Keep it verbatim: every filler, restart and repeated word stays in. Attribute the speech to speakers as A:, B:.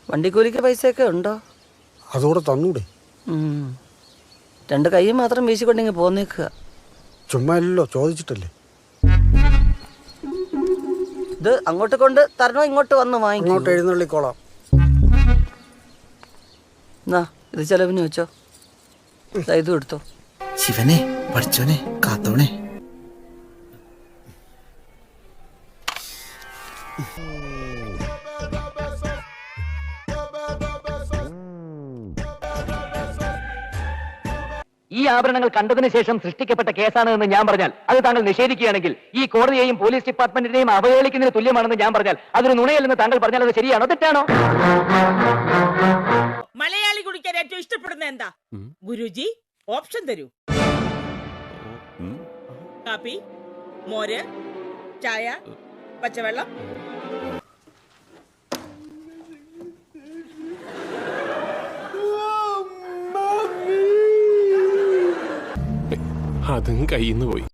A: വണ്ടിക്കൂലിക്ക് പൈസയൊക്കെ ഉണ്ടോ?
B: അതുകൂടെ തന്നൂടെ?
A: രണ്ട് കൈ മാത്രം വീശിക്കൊണ്ടിങ്ങ് പോന്നേക്കുക.
B: ചുമ്മാ അല്ലല്ലോ, ചോദിച്ചിട്ടല്ലേ.
A: ഇത് അങ്ങോട്ട് കൊണ്ട് തരണോ ഇങ്ങോട്ട് വന്ന് വാങ്ങിക്കോ?
B: അങ്ങോട്ട് എഴുന്നള്ളിക്കോളാം.
A: എന്നാ ഇത് ചെലവിന് വെച്ചോ. ഇതും എടുത്തോ.
C: ശിവനെ പഠിച്ചോനെ കാത്തോണേ.
D: ഈ ആഭരണങ്ങൾ കണ്ടതിന് ശേഷം സൃഷ്ടിക്കപ്പെട്ട കേസാണെന്ന് ഞാൻ പറഞ്ഞാൽ അത് താങ്കൾ നിഷേധിക്കുകയാണെങ്കിൽ ഈ കോടതിയെയും പോലീസ് ഡിപ്പാർട്ട്മെന്റിനെയും അവഹേളിക്കുന്നതിന് തുല്യമാണെന്ന് ഞാൻ പറഞ്ഞാൽ അതൊരു നുണയല്ലെന്ന് താങ്കൾ പറഞ്ഞാൽ അത് ശരിയാണോ തെറ്റാണോ?
E: മലയാളി കുടിക്കാൻ ഏറ്റവും ഇഷ്ടപ്പെടുന്ന എന്താ ഗുരുജി? ഓപ്ഷൻ തരൂ. കാപ്പി, മോര്, ചായ, പച്ചവെള്ളം.
F: അതും കയ്യിന്ന് പോയി.